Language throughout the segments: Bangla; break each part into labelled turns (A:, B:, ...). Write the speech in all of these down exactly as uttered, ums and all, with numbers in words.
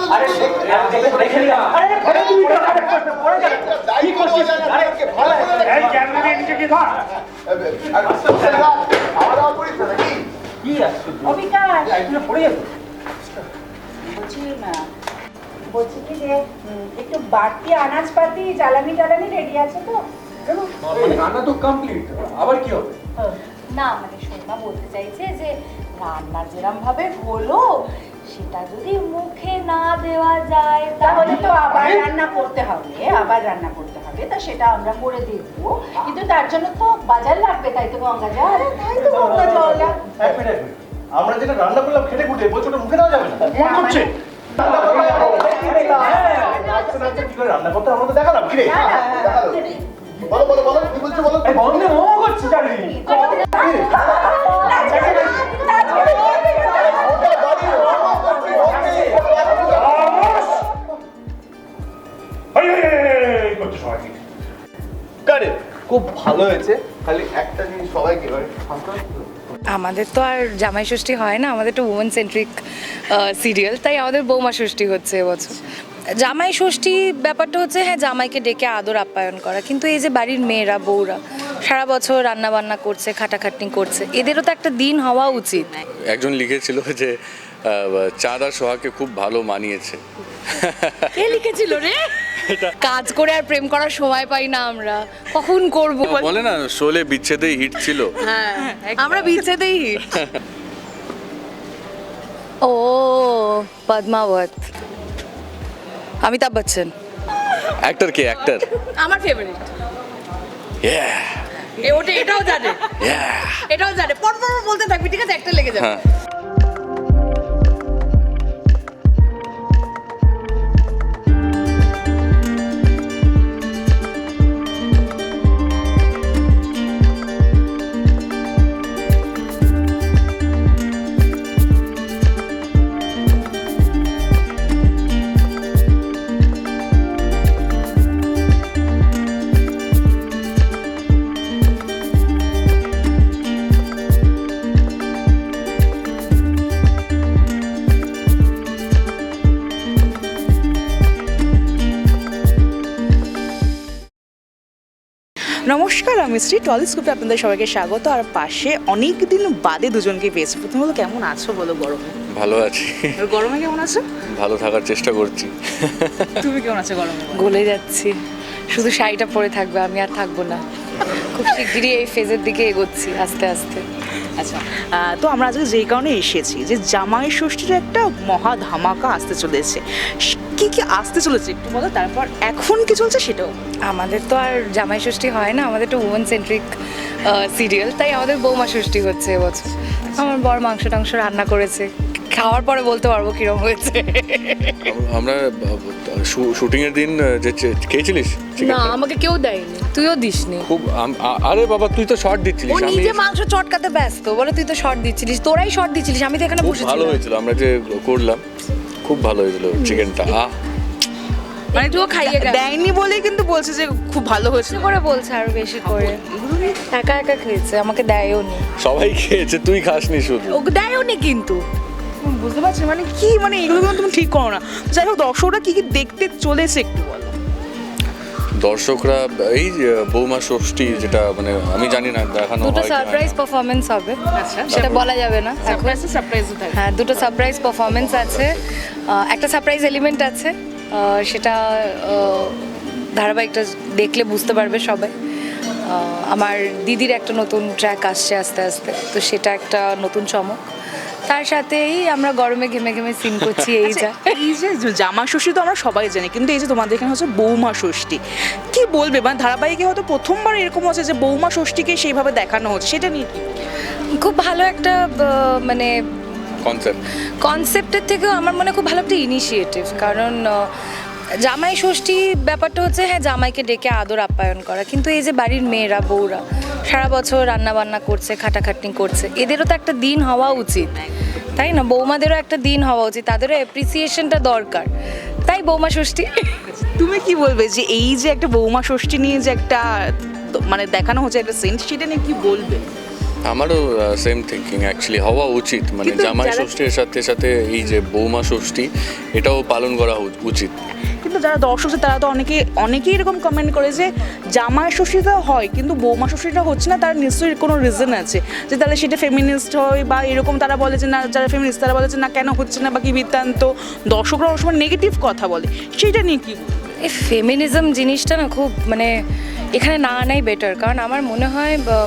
A: আরে দেখে নিলাম। আরে আরে তুই পড়ে যা কি করছিস? আরে এই ক্যামেরা নিয়ে নিচে কি ধর।
B: আমরা পড়িছে নাকি
A: কি আসছে?
C: অবিকাশ
A: আইগুলো পড়ে যাবে।
C: বলছি না বলছি কি যে উম, একটু বাড়তি আনাজপাতি জ্বালানি টালানি রেডি আছে তো?
A: মানে রান্না তো কমপ্লিট, আবার কি হবে?
C: না মানে সোনা বলতে চাইছে যে রান্না যেরম ভাবে হলো সেটা যদি মুখে না দেওয়া যায় তাহলে তো আবার রান্না করতে হবে আবার রান্না করতে হবে তা সেটা আমরা করে দেবো কিন্তু তার জন্য তো বাজার লাগবে তাই তো গঙ্গা জল তাই তো গঙ্গা জল
B: এক মিনিট এক মিনিট। আমরা যেটা রান্না করলাম খেটে খুঁটে বলছো ওটা মুখে দেওয়া যাবে না
A: মন করছে।
B: কি করে রান্না করতে আমরা তো দেখালাম কি রে বলো বলো বলো কি বলছো বলো
A: এই বন্ধে মোমো করছে জানি। এই এই এই করছে সবাই।
B: কারেক্ট খুব ভালো হয়েছে খালি একটা জিনিস সবাইকে এবারে
D: আমাদের তো আর জামাই ষষ্ঠী হয় না, আমাদের তো উমেন সেন্ট্রিক সিরিয়াল, তাই আমাদের বৌমা ষষ্ঠী হচ্ছে এবছর। জামাই ষষ্ঠী ব্যাপারটা হচ্ছে হ্যাঁ জামাইকে ডেকে আদর আপ্যায়ন করা, কিন্তু এই যে বাড়ির মেয়েরা বউরা সারা বছর রান্না বান্না করছে খাটাখাটনি করছে, এদেরও তো একটা দিন হওয়া উচিত।
E: একজন লিখেছিল যে চাঁদ আর সোহাগকে খুব ভালো মানিয়েছে।
D: কে লিখেছিল রে? কাজ করে আর প্রেম করার সময় পাই না আমরা, কখন করব?
E: বলে না শোলে বিচ্ছেদেই হিট ছিল।
D: হ্যাঁ আমরা বিচ্ছেদেই হিট। ও পদ্মাবত, অমিতাভ বচ্চন
E: অ্যাক্টর কে অ্যাক্টর?
D: আমার ফেভারিট। এ ওটা এটাও জানে, এটাও জানে, পর পর বলতে থাকবি ঠিক আছে, একটা লেগে যাবে।
E: হ্যাঁ
F: নমস্কার, আমি শ্রী টলিস্কোপে আপনাদের সবাইকে স্বাগত। আর পাশে অনেক দিন বাদে দুজনকে পেয়েছি। প্রথম হলো কেমন আছো বলো গরমে?
E: ভালো আছি,
F: আর গরমে কেমন আছো?
E: ভালো থাকার চেষ্টা করছি।
F: তুমি কেমন আছো গরমে?
D: গলে যাচ্ছি, শুধু শাড়িটা পরে থাকবে, আমি আর থাকবো না। খুব শিগগিরই এই ফেজের দিকে এগোচ্ছি আস্তে আস্তে।
F: আচ্ছা, আহ, তো আমরা আজকে যেই কারণে এসেছি যে জামাই ষষ্ঠীর একটা মহা ধামাকা আসতে চলেছে। কি কি আসতে চলেছে একটু বলো, তারপর এখন কি চলছে সেটাও।
D: আমাদের তো আর জামাই ষষ্ঠী হয় না, আমাদের তো উমেন সেন্ট্রিক সিরিয়াল, তাই আমাদের বৌমা ষষ্ঠী হচ্ছে এবছর। আমার বর মাংস টাংস রান্না করেছে, খাওয়ার পরে বলতে পারবো কিরম হয়েছে।
E: আমরা শুটিং এর দিন যে খেয়েছিলিস
D: না আমাকে কেউ দেয়নি, তুইও দিসনি।
E: খুব আম- আ- আরে বাবা তুই তো শর্ট দিচ্ছিলিস,
D: ও
E: আমি
D: নিজে মাংস চটকাতে ব্যস্ত, বলে তুই তো শর্ট দিচ্ছিলিস, তোরাই শর্ট দিচ্ছিলিস, আমি তো এখানে
E: খুব
D: বসে
E: ভালো হয়েছিল, আমরা যে করলাম খুব ভালো হয়েছিল চিকেনটা। আহ
D: মানে তুইও খাইয়ে গেল
F: দেয়নি বলেই কিন্তু বলছে যে খুব ভালো হয়েছে।
D: বেশি করে বলছে, আরো বেশি করে। একা একা খেয়েছে, আমাকে দেয়ও নি।
E: সবাই খেয়েছে, তুই খাসনি শুধু।
D: ওকে দেয়ও নি কিন্তু।
F: বুঝতে পারছি মানে কি, মানে এগুলো কিন্তু তুমি ঠিক করো না। যাই হোক, দর্শকরা কি কি দেখতে চলেছে একটু বলো।
E: দর্শকরা এই যে বৌমা ষষ্ঠী যেটা মানে আমি জানি না দেখানো হয়
D: দুটো
E: কি হয় না।
D: সারপ্রাইজ পারফরমেন্স হবে,
F: আচ্ছা।
D: সেটা বলা যাবে না এখন।
F: সারপ্রাইজ সারপ্রাইজ থাকে।
D: হ্যাঁ দুটো সারপ্রাইজ পারফরমেন্স আছে, আহ, একটা সারপ্রাইজ এলিমেন্ট আছে, আহ, সেটা আহ, ধারাবাহিকটা দেখলে বুঝতে পারবে সবাই। আহ, আমার দিদির একটা নতুন ট্র্যাক আসছে আস্তে আস্তে, তো সেটা একটা নতুন চমক। তার সাথেই আমরা গরমে ঘেমে ঘেমে সিন করছি, এই যা।
F: এই যে জামা ষষ্ঠী তো আমরা সবাই জানি, কিন্তু এই যে তোমাদের এখানে হচ্ছে বৌমা ষষ্ঠী, কি বলবে? মানে ধারাবাহিকে হয়তো প্রথমবার এরকম হচ্ছে যে বৌমা ষষ্ঠীকে সেইভাবে দেখানো হচ্ছে, সেটা নিয়ে কি?
D: খুব ভালো একটা আহ, মানে
E: কনসেপ্ট।
D: কনসেপ্টের থেকেও আমার মনে হয় খুব ভালো একটা ইনিশিয়েটিভ, কারণ আহ, জামাই ষষ্ঠী ব্যাপারটা হচ্ছে হ্যাঁ জামাইকে ডেকে আদর আপ্যায়ন করা, কিন্তু এই যে বাড়ির মেয়েরা বউরা সারা বছর রান্না বান্না করছে খাটাখাটনি করছে, এদেরও তো একটা দিন হওয়া উচিত, তাই না? বৌমাদেরও একটা দিন হওয়া উচিত, তাদেরও অ্যাপ্রিসিয়েশনটা দরকার, তাই বৌমা ষষ্ঠী।
F: তুমি কি বলবে যে এই যে একটা বৌমা ষষ্ঠী নিয়ে যে একটা তো মানে দেখানো হচ্ছে একটা সিন, সেটা নিয়ে কি বলবে?
E: আমারও সেম থিঙ্কিং অ্যাকচুয়ালি হওয়া উচিত, মানে
F: কিন্তু
E: জামাই
F: যারা-
E: ষষ্ঠীর সাথে সাথে এই যে বৌমা ষষ্ঠী এটাও পালন করা উ- উচিত।
F: কিন্তু যারা দর্শক আছে তারা তো অনেকে অনেকেই এরকম কমেন্ট করে যে জামাই ষষ্ঠীটা হয় কিন্তু বৌমা ষষ্ঠীটা হচ্ছে না, তার নিশ্চয়ই কোনো রিজন আছে যে তাহলে সেটা ফেমিনিস্ট হয় বা এরকম, তারা বলে যে না, যারা ফেমিনিস্ট তারা বলে যে না কেন হচ্ছে না বা কি বৃত্তান্ত, দর্শকরা অনেক সময় নেগেটিভ কথা বলে, সেটা নিয়ে কি বলবো?
D: এই ফেমিনিজম জিনিসটা না খুব মানে এখানে না আনাই বেটার, কারণ আমার মনে হয় বা,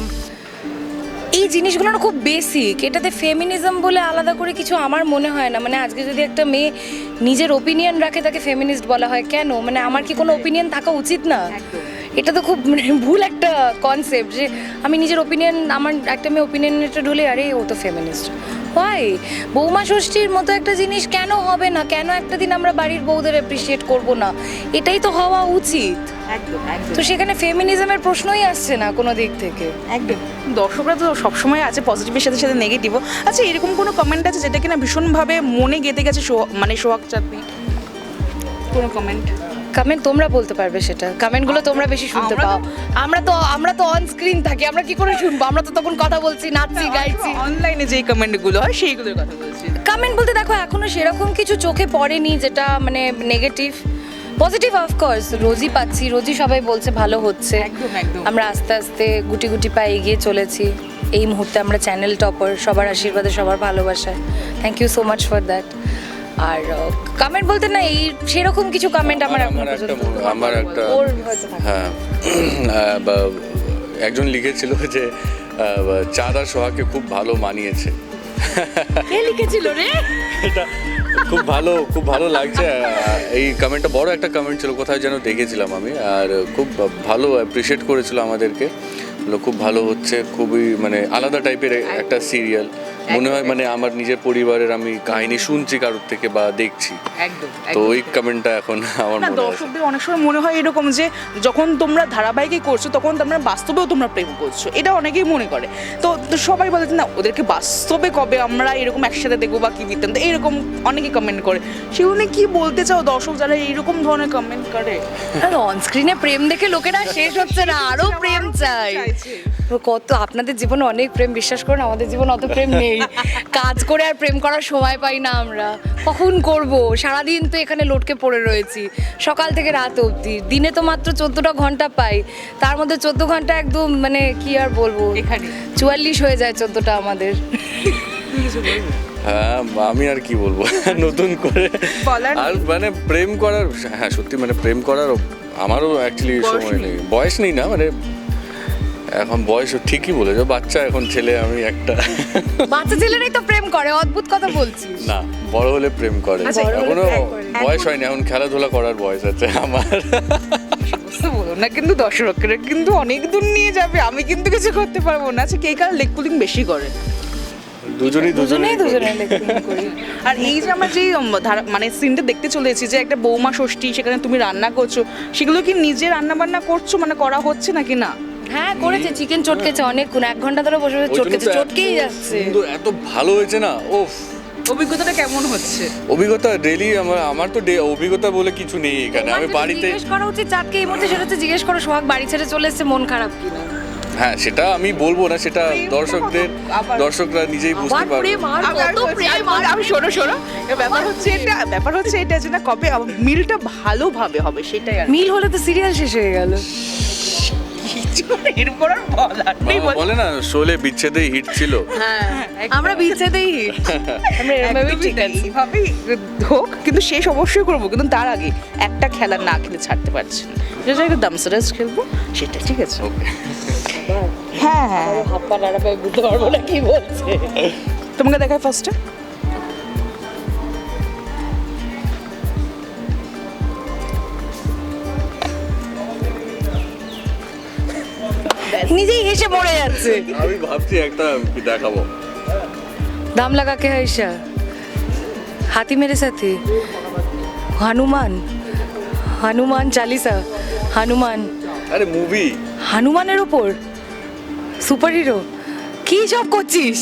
D: এই জিনিসগুলো না খুব বেসিক, এটাতে ফেমিনিজম বলে আলাদা করে কিছু আমার মনে হয় না। মানে আজকে যদি একটা মেয়ে নিজের ওপিনিয়ন রাখে তাকে ফেমিনিস্ট বলা হয় কেন? মানে আমার কি কোনো ওপিনিয়ন থাকা উচিত না? এটা তো খুব মানে ভুল একটা কনসেপ্ট যে আমি নিজের ওপিনিয়ন, আমার একটা মেয়ে ওপিনিয়নটা ঢুলে আরে ও তো ফেমিনিস্ট হয়। বৌমা ষষ্ঠীর মতো একটা জিনিস কেন হবে না? কেন একটা দিন আমরা বাড়ির বউদের অ্যাপ্রিসিয়েট করব না? এটাই তো হওয়া উচিত।
F: একদম একদম
D: তো সেখানে ফেমিনিজমের প্রশ্নই আসছে না কোনো দিক থেকে।
F: একদম দর্শকরা তো সবসময় আছে পজিটিভের সাথে সাথে নেগেটিভও। আচ্ছা, এরকম কোনো কমেন্ট আছে যেটা কিনা ভীষণভাবে মনে গেঁথে গেছে সোহা- মানে সোহাগ চাঁদনি? কোনো কমেন্ট?
D: কমেন্ট তোমরা বলতে পারবে সেটা, কমেন্টগুলো তোমরা বেশি শুনতে
F: আমরা তো-
D: পাও। আমরা তো আমরা তো অন স্ক্রিন থাকি, আমরা কি করে শুনবো? আমরা তো তখন কথা বলছি, নাচছি, গাইছি।
F: অনলাইনে যেই কমেন্টগুলো হয় সেইগুলোর কথা বলছি।
D: কমেন্ট বলতে দেখো এখনো সেরকম কিছু চোখে পড়েনি যেটা মানে নেগেটিভ। পজিটিভ অফকোর্স রোজই পাচ্ছি, রোজই সবাই বলছে ভালো হচ্ছে।
F: একদম একদম
D: আমরা আস্তে আস্তে গুটি গুটি পায়ে এগিয়ে চলেছি। এই মুহূর্তে আমরা চ্যানেল টপার, সবার আশীর্বাদে, সবার ভালোবাসায়। Thank you so much for that. আর কমেন্ট বলতে না এই সেরকম কিছু কমেন্ট আমার এখন
E: আমার একটা
D: পর্যন্ত
E: আমার একটা
D: ওর হয়তো থাকে।
E: হ্যাঁ আহ, বা- একজন লিখেছিল যে আহ, চাঁদ আর সোহাগকে খুব ভালো মানিয়েছে।
D: কে লিখেছিল রে?
E: এটা খুব ভালো, খুব ভালো লাগছে। আহ, এই কমেন্টটা বড় একটা কমেন্ট ছিল, কোথায় যেন দেখেছিলাম আমি, আর খুব ভালো অ্যাপ্রিসিয়েট করেছিল আমাদেরকে। বললো খুব ভালো হচ্ছে, খুবই মানে আলাদা টাইপের একটা সিরিয়াল মনে হয়, মানে আমার নিজের পরিবারের আমি কাহিনী শুনছি কারোর থেকে বা দেখছি।
F: একদম
E: তো ওই কমেন্টটা এখন আমার
F: না,
E: মনে আছে।
F: দর্শকদের অনেক সময় মনে হয় এরকম যে যখন তোমরা ধারাবাহিকে করছো তখন তোমরা বাস্তবেও তোমরা প্রেম করছো, এটা অনেকেই মনে করে। তো তো সবাই বলে যে না, ওদেরকে বাস্তবে কবে আমরা এরকম একসাথে দেখবো বা কি বৃত্তান্ত, এইরকম অনেকেই কমেন্ট করে। সেগুলো নিয়ে কি বলতে চাও দর্শক যারা এইরকম ধরনের কমেন্ট করে?
D: অন স্ক্রিনে প্রেম দেখে লোকেরা শেষ হচ্ছে না, আরো প্রেম চাই। তো কত আপনাদের জীবনে অনেক প্রেম, বিশ্বাস করুন আমাদের জীবনে অত প্রেম নেই। কাজ করে আর প্রেম করার সময় পাই না আমরা, কখন করব? সারাদিন তো এখানে লটকে পড়ে রয়েছি, সকাল থেকে রাত অবধি। দিনে তো মাত্র চোদ্দোটা ঘন্টা পাই, তার মধ্যে চোদ্দ ঘন্টা একদম মানে কি আর বলবো,
F: এখানে
D: চুয়াল্লিশ হয়ে যায় চোদ্দোটা আমাদের।
E: হ্যাঁ আমি আর কি বলবো নতুন করে
F: বলার
E: আর মানে প্রেম করার, হ্যাঁ সত্যি মানে প্রেম করার আমারও অ্যাকচুয়ালি
F: বয়স
E: সময়
F: নেই।
E: নেই, বয়স নেই না, মানে এখন বয়স ঠিকই বলেছো, বাচ্চা এখন ছেলে আমি একটা।
D: বাচ্চা ছেলেরাই তো প্রেম করে, অদ্ভুত কথা বলছিস।
E: না, বড় হলে প্রেম করে,
F: আচ্ছা, বড় হলে
E: এখনো
F: প্রেম করে।
E: বয়স হয়নি, এখন খেলাধুলা করার বয়স আছে আমার।
F: বুঝতে বলো না, কিন্তু দর্শকরা কিন্তু অনেক দূর নিয়ে যাবে, আমি কিন্তু কিছু করতে পারবো না। আচ্ছা, কে কার লেগ পুলিং বেশি করে?
E: দুজনেই
D: দুজনেই
E: দুজনেই
D: দুজনে লেগে করি।
F: আর এই যে আমরা যে উম, ধারা- মানে সিনটা দেখতে চলেছি যে একটা বৌমা ষষ্ঠী, সেখানে তুমি রান্না করছো, সেগুলো কি নিজে রান্না বান্না করছো, মানে করা হচ্ছে নাকি না?
D: হ্যাঁ করেছে, চিকেন চটকেছে অনেকক্ষণ, এক ঘন্টা ধরে বসে বসে চটকেছে, চটকেই যাচ্ছে।
E: সুন্দর, এত ভালো হয়েছে না, ওফ।
F: অভিজ্ঞতাটা কেমন হচ্ছে?
E: অভিজ্ঞতা ডেলি আমার আমার তো ডে- অভিজ্ঞতা বলে কিছু নেই এখানে, আমি বাড়িতে।
D: জিজ্ঞেস করা উচিত চাঁদকে এই মুহূর্তে, সেটা হচ্ছে জিজ্ঞেস করো সোহাগ বাড়ি ছেড়ে চলে এসেছে, মন খারাপ কিনা।
E: হ্যাঁ সেটা আমি বলবো না, সেটা দর্শকদের
F: আবার-
E: দর্শকরা নিজেই বুঝতে
D: আবার
E: পারবে।
D: প্রেম, আর
F: আমি- আমি
D: কত
F: বলছি,
D: প্রেম,
F: আমি বলছি, আমি শোনো শোনো এ ব্যাপার হচ্ছে এটা ব্যাপার হচ্ছে এটা যে না কবে মিলটা ভালোভাবে হবে সেটাই। আর
D: মিল হলে তো সিরিয়াল শেষ হয়ে গেল।
F: কিছু এরপর আর বলার নেই।
E: বাবা বলে না শোলে বিচ্ছেদে হিট ছিল।
D: হ্যাঁ আমরা বিচ্ছেদেই হিট, আমরা এভাবেই ঠিক আছে।
F: এইভাবেই হোক, কিন্তু শেষ অবশ্যই করবো, কিন্তু তার আগে একটা খেলা না খেলে ছাড়তে পারছি না, যেটা একটা দামসারাজ খেলবো সেটা, ঠিক আছে?
E: ওকে,
F: হ্যাঁ হ্যাঁ,
D: হাত পা নাড়া পায়ে বুঝতে পারবো না কি বলছে।
F: তোমাকে দেখায় ফার্স্টে।
D: নিজেই হেসে মরে যাচ্ছে।
E: আমি ভাবছি একটা কি দেখাবো।
D: দাম লাগা কে হাইসা হাতি মেরে সাথে, হনুমান, হনুমান চালিসা, হনুমান,
E: আরে মুভি।
D: হনুমানের ওপর সুপার হিরো, কি সব করছিস?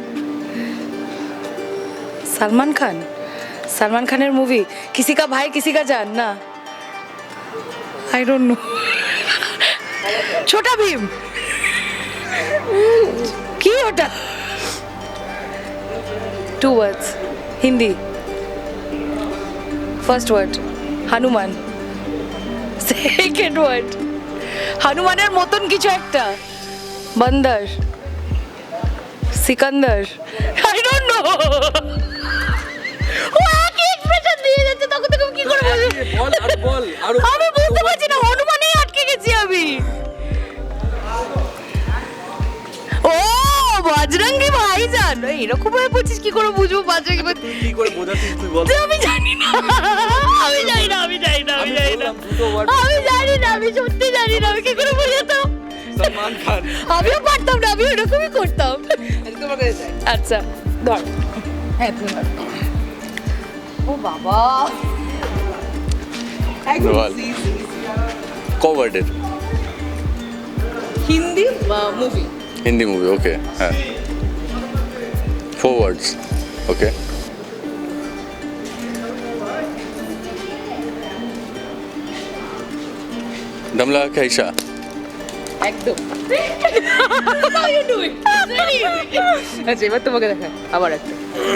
D: সলমান খান, সলমান খানের মুভি, কিসি কা ভাই কিসি কা জান, না আই ডোন্ট নো। ছোটা ভীম, কি ওটা? Two words, Hindi. First word Hanuman, second word হনুমানের মতন কিছু একটা, বন্দর, সিকান্দার, আই ডোন্ট নো। ও একই এক্সপ্রেশন দিয়ে যাচ্ছে, তখন থেকে আমি কি করে বলবো?
E: বল আর বল আর
D: আমি বুঝতে পারছি না, হনুমানেই আটকে গেছি আমি। ও বজরঙ্গি ভাইজান, এরকম ভাবে বলছিস, কি করে বুঝবো বজরঙ্গি ভাই?
E: কি করে বোঝাচ্ছিস তুই বল?
D: আমি জানি না, আমি জানি না, আমি জানি না, আমি জানি না, আমি জানি না, আমি সত্যি জানি না, আমি কি করে বোঝাতাম?
E: সলমান খান।
D: আমিও পারতাম না, আমি এরকমই করতাম।
F: তোমার কাছে যাই।
D: আচ্ছা ধর।
F: হ্যাঁ তুমি ধরো।
D: ও বাবা,
F: একদম
E: বল।
F: easy, easy, easy।
E: কভার্ডের
F: Hindi movie.
E: Hindi movie, okay, হ্যাঁ। Four words, okay. দমলা খাইসা।
F: একদম। আচ্ছা এবার তোমাকে দেখায় আবার একটা।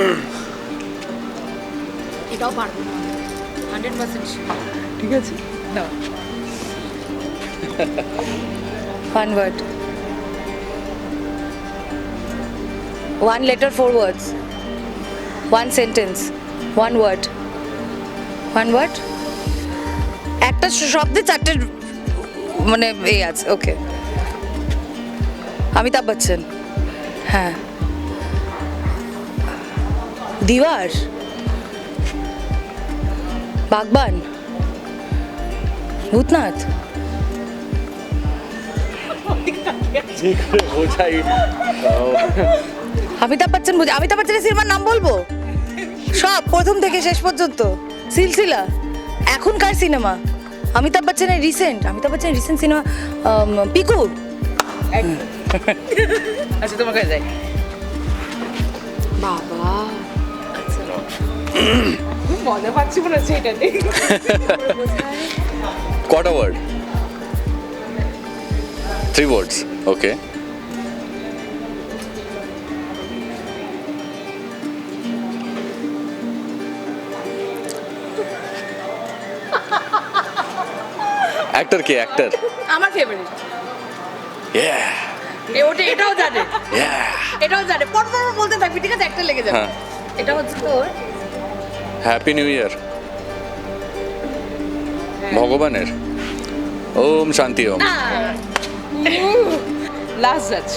D: এটাও পারবো না, হান্ড্রেড পার্সেন্ট।
F: ঠিক আছে না।
D: One word. One letter, four words. One sentence. One word. One word? একটা শব্দে চারটে মানে এই আছে, ওকে। অমিতাভ বচ্চন, হ্যাঁ। দিওয়ার, বাগবান, ভূতনাথ।
E: বোঝাই
D: অমিতাভ বচ্চন, বুঝি অমিতাভ বচ্চনের সিনেমার নাম বলবো সব, প্রথম থেকে শেষ পর্যন্ত, সিলসিলা, এখনকার সিনেমা, অমিতাভ বচ্চনের রিসেন্ট, অমিতাভ বচ্চনের রিসেন্ট সিনেমা পিকু।
F: আচ্ছা তোমার কাছে যাই।
D: বাবা,
F: খুব মজা পাচ্ছি মনে হচ্ছে এটাতে।
E: কটা word? Three words, okay. Actor কে? অ্যাক্টর?
D: আমার ফেভারিট।
E: ইয়া
D: এ ওটা, এটাও জানে,
E: ইয়া
D: এটাও জানে, পর পর বলতে থাকবি, ঠিক আছে, একটা লেগে যাবে।
E: হ্যাঁ।
D: এটা হচ্ছে তোর
E: হ্যাপি নিউ ইয়ার ভগবানের। ওম শান্তি ওম।
F: লাস্ট যাচ্ছি।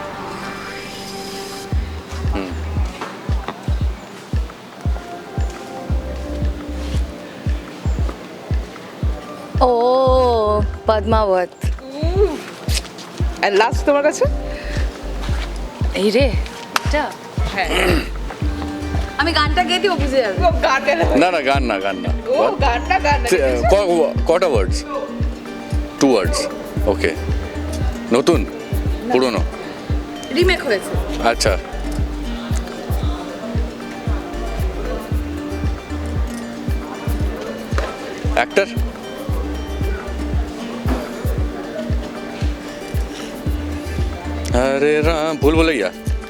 D: ও পদ্মাবত।
F: আর লাস্ট তোমার কাছে?
D: এই রে, এটা
F: হ্যাঁ।
D: আমি গানটা গেয়ে দিও, বুঝে যাবে।
F: ও গানটা না।
E: না না গান না, গান না।
F: ও গানটা গান না।
E: ক- কটা ওয়ার্ডস? টু ওয়ার্ডস, ওকে। নতুন পুরনো?
D: রিমেক হয়েছে।
E: আচ্ছা, অ্যাক্টর? আরে রাম, ভুল ভুলাইয়া।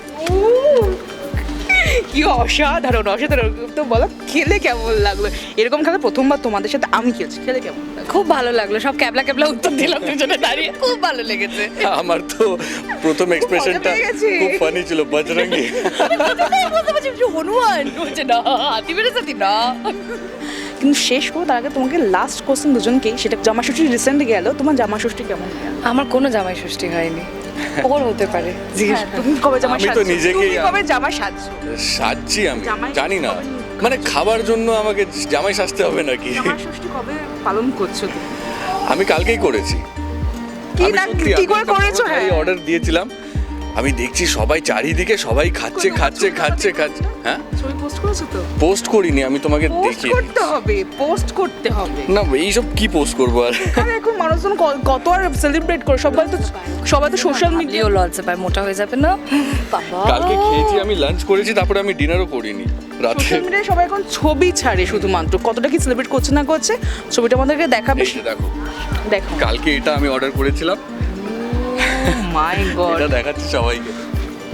F: কি অসাধারণ, অসাধারণ। তো বলো খেলে কেমন লাগলো? এরকম খেলা প্রথমবার তোমাদের সাথে আমি খেলছি, খেলে কেমন লাগলো?
D: খুব ভালো লাগলো, সব ক্যাবলা ক্যাবলা উত্তর দিলাম দুজনে দাঁড়িয়ে, খুব ভালো লেগেছে।
E: আমার তো প্রথম এক্সপ্রেশনটা
F: পেয়ে গেছি।
E: খুব ফানি ছিল, বজরঙ্গি।
D: বুঝতে পারছি যে হনুমান বলছে না, হাতি মেরে সাথী না।
F: কিন্তু শেষ করো তার আগে তোমাকে লাস্ট কোশ্চেন দুজনকেই, সেটা জামা ষষ্ঠী রিসেন্ট গেল, তোমার জামা ষষ্ঠী কেমন গেল?
D: আমার কোনো জামাই ষষ্ঠী হয়নি, ওর হতে পারে, জিজ্ঞেস
F: হ্যাঁ,
D: কর।
F: তুমি কবে জামা
E: আমি তো
F: সাজছো?
E: নিজেকেই
F: তুমি কবে জামা সাজছো?
E: সাজছি আমি,
F: জামাই
E: জানি না,
F: কবে?
E: মানে খাবার জন্য আমাকে জামাই সাজতে হবে নাকি?
F: জামা ষষ্ঠী কবে পালন করছো তুমি?
E: আমি কালকেই করেছি।
F: কি
E: আমি
F: না
E: সত্যি,
F: কি
E: আমি
F: করে করেছো? হ্যাঁ
E: অর্ডার দিয়েছিলাম, আমি দেখছি সবাই চারিদিকে সবাই খাচ্ছে খাচ্ছে খাচ্ছে খাচ্ছে। হ্যাঁ,
F: ছবি পোস্ট করেছো তো?
E: পোস্ট করিনি, আমি তোমাকে
F: পোস্ট
E: দেখিয়ে
F: করতে হবে, পোস্ট করতে হবে।
E: না, এইসব কি পোস্ট করবো আর?
F: আরে এখন মানুষজন ক- কত আর সেলিব্রেট করে, সবাই তো সবাই তো সোশ্যাল মিডিয়া।
D: লিও লজ্জা পায়, মোটা হয়ে যাবে না বাবা।
E: কালকে খেয়েছি, আমি লাঞ্চ করেছি, তারপরে আমি ডিনারও করিনি রাতে।
F: সোশ্যাল মিডিয়ায় সবাই এখন ছবি ছাড়ে শুধুমাত্র, কতটা কি সেলিব্রেট করছে না করছে ছবিটা আমাদেরকে দেখাবে।
E: এই যে দেখো,
F: দেখো
E: কালকে এটা আমি অর্ডার করেছিলাম,
F: মাই গড।
E: এটা দেখাচ্ছি সবাইকে।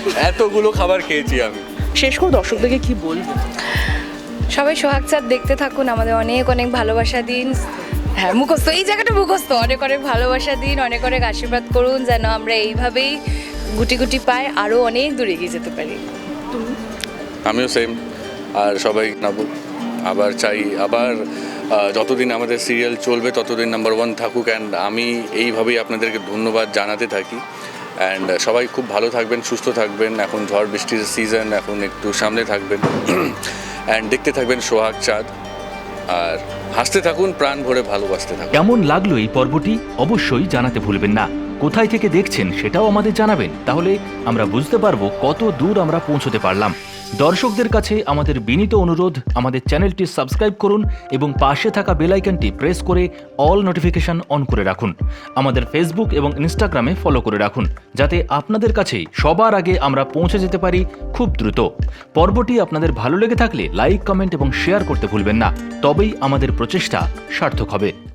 E: এতগুলো খাবার খেয়েছি আমি।
F: শেষ করে দর্শকদেরকে কি বলবো?
D: সবাই সোহাগ চাঁদ দেখতে থাকুন, আমাদের অনেক অনেক ভালোবাসা দিন। হ্যাঁ মুখস্থ, এই জায়গাটা মুখস্থ। অনেক অনেক ভালোবাসা দিন, অনেক অনেক আশীর্বাদ করুন যেন আমরা এইভাবেই গুটি গুটি পাই আরও অনেক দূরে এগিয়ে যেতে পারি।
E: আমিও সেম। আর সবাই নাবো আবার চাই, আবার আহ, যতদিন আমাদের সিরিয়াল চলবে ততদিন নাম্বার ওয়ান থাকুক। অ্যান্ড আমি এইভাবেই আপনাদেরকে ধন্যবাদ জানাতে থাকি। অ্যান্ড সবাই খুব ভালো থাকবেন, সুস্থ থাকবেন। এখন ঝড় বৃষ্টির সিজন, এখন একটু সামনে থাকবেন। অ্যান্ড দেখতে থাকবেন সোহাগ চাঁদ, আর হাসতে থাকুন, প্রাণ ভরে ভালোবাসতে থাকুন।
G: কেমন লাগলো এই পর্বটি অবশ্যই জানাতে ভুলবেন না। কোথায় থেকে দেখছেন সেটাও আমাদের জানাবেন, তাহলে আমরা বুঝতে পারবো কত দূর আমরা পৌঁছতে পারলাম। দর্শকদের কাছে আমাদের বিনীত অনুরোধ, আমাদের চ্যানেলটি সাবস্ক্রাইব করুন এবং পাশে থাকা বেল আইকনটি প্রেস করে অল নোটিফিকেশন অন করে রাখুন। আমাদের ফেসবুক এবং ইনস্টাগ্রামে ফলো করে রাখুন, যাতে আপনাদের কাছে সবার আগে আমরা পৌঁছে যেতে পারি খুব দ্রুত। পর্বটি আপনাদের ভালো লেগে থাকলে লাইক, কমেন্ট এবং শেয়ার করতে ভুলবেন না, তবেই আমাদের প্রচেষ্টা সার্থক হবে।